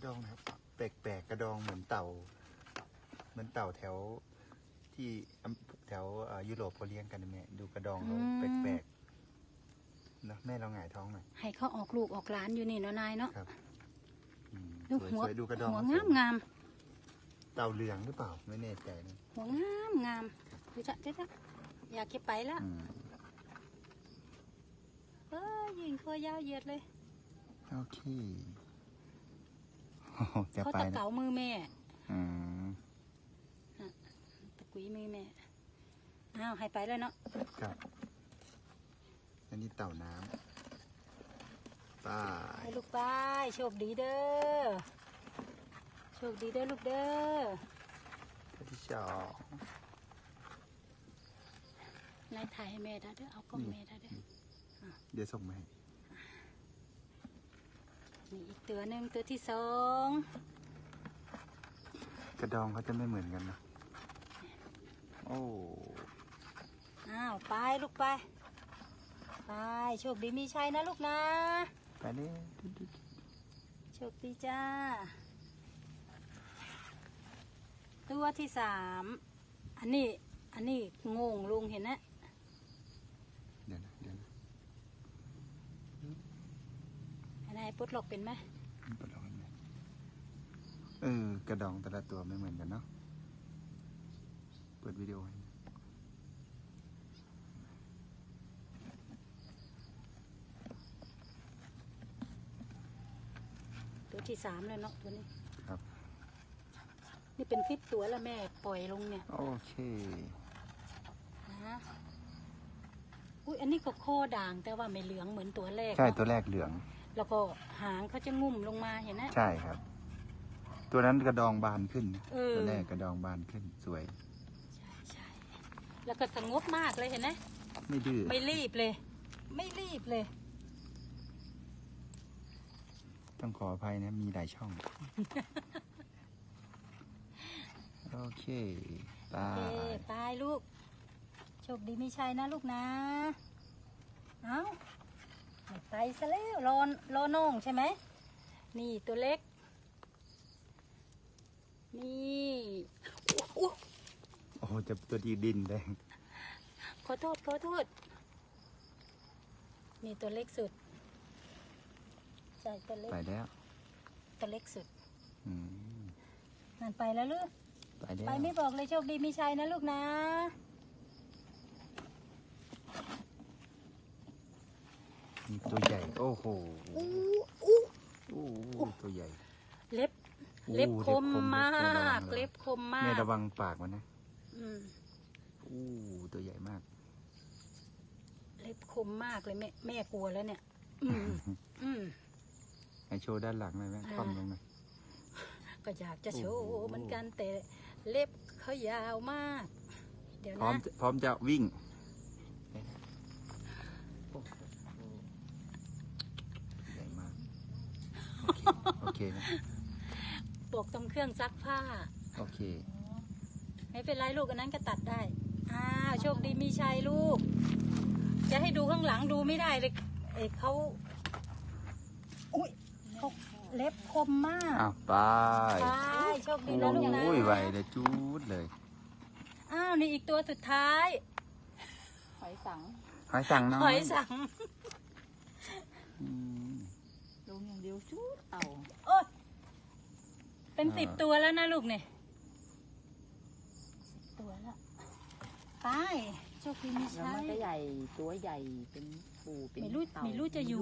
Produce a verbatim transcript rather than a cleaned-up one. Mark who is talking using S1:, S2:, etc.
S1: ระดองนะครับแปลกๆกระดองเหมือนเต่าเหมือนเต่าแถวที่แถวยุโรปเขาเลี้ยงกันนะแม่ดูกระดองเขาแปลกๆนะแม่เราหงายท้องหน่อย
S2: ให้เขาออกลูกออกหลานอยู่นี่เนาะนายเนาะ
S1: ดูหัวดูกระดอง
S2: หัวงามงาม
S1: เต่าเหลืองหรือเปล่าไม่แน่ใจนะ
S2: หัวงามงามดูจ้ะเจ๊จ้ะอยากเก็บไปแล้วเออยิงคอยาวเหยียดเลย
S1: โอเคจะ
S2: เขา
S1: ไป
S2: ตะเก๋ามือแม่
S1: อืม
S2: ตะกุยมือแม่อ้าวให้ไปเลยเนาะ
S1: ครับอันนี้เต่าน้ำป้า
S2: ให้ลูกไปโชคดีเด้อโชคดีเด้อลูกเด้อ
S1: ที่สอง
S2: นายถ่ายให้แม่ได้เด้อเอากล้องแม่ได้เด้อ
S1: เดี๋ยวส่งมาให้
S2: นี่อีกตัวหนึ่งตัวที่สอง
S1: กระดองเขาจะไม่เหมือนกันนะโอ้
S2: อ้าวไปลูกไปไปโชคดีมีชัยนะลูกนะ
S1: ไปเลย
S2: โชคดีจ้าตัวที่สามอันนี้อันนี้งงลุงเห็นนะ
S1: เดี๋ยวนะเดี๋ยวนะ
S2: อันไหนปลดล็อกเป็นไหม
S1: ปลดล็อกเป็นไหมเออกระดองแต่ละตัวไม่เหมือนกันเนาะเปิดวิดีโอให้
S2: ตัวที่สามเลยเนาะตัวนี้
S1: ครับ
S2: นี่เป็นฟิตตัวแล้วแม่ปล่อยลงเนี่ย
S1: โอเค
S2: นะอุ้ยอันนี้ก็โคด่างแต่ว่าไม่เหลืองเหมือนตัวแรก
S1: ใช่ตัวแรกเหลือง
S2: แล้วก็หางเขาจะงุ่มลงมาเห็นไหม
S1: ใช่ครับตัวนั้นกระดองบานขึ้นตัวแรกกระดองบานขึ้นสวย
S2: ใช่ใช่แล้วก็สงบมากเลยเห็นไหม
S1: ไม่ดื้อ
S2: ไม่รีบเลยไม่รีบเลย
S1: ต้องขออภัยนะมีหลายช่องโอเคตาย
S2: ตายลูกโชคดีไม่ใช่นะลูกนะเอ้าไปซะแล้วรอรอน้องใช่ไหมนี่ตัวเล็กนี่
S1: โอ้โหจะตัวดีดินแดง
S2: ขอโทษขอโทษนี่ตัวเล็กสุดใช่ตัวเล็ก
S1: ไปแล้ว
S2: ตัวเล็กสุด
S1: อืม
S2: นั่นไปแล้วลูก
S1: ไปแล้ว
S2: ไปไม่บอกเลยโชคดีมีชัยนะลูกนะ
S1: ตัวใหญ่โอ้โห
S2: อู้อู้
S1: อู้ตัวใหญ่
S2: เล็บเล็บคมมากเล็บคมมาก
S1: แม่ระวังปากมันนะ
S2: อืม
S1: อู้ตัวใหญ่มาก
S2: เล็บคมมากเลยแม่แม่กลัวแล้วเนี่ยอืมอืม
S1: ให้โชว์ด้านหลังหน่อยแม่คว่ำลงหน่อย
S2: ก็อยากจะโชว์เหมือนกันแต่เล็บเขายาวมากเดี๋ยวนะ
S1: พร้อมพร้อมจะวิ่งใหญ่มากโอเคนะ
S2: ปกตรงเครื่องซักผ้า
S1: โอเค
S2: ไม่เป็นไรลูกอันนั้นก็ตัดได้อ้าวโชคดีมีชัยลูกจะให้ดูข้างหลังดูไม่ได้เลยเอ้เขาอุ้ยเขาเล็บคมมาก
S1: อ้าวไป
S2: ไปโชคดีนะลูกนะ
S1: โอ้ยไวเลยจูดเลย
S2: อ้าวนี่อีกตัวสุดท้าย
S3: หอยสัง
S1: หอยสังน้อย
S2: หอยสัง
S3: ลงอย่างเดียวจูดเต่า
S2: โอ้ยเป็นสิบตัวแล้วนะลูกเนี่ยสิบตัวแล้วไปโชคดีมีชัย
S3: แล้วมันก็ใหญ่ตัวใหญ่เป็นปูเป็น
S2: ไม่รู้ไม่รู้จะอยู่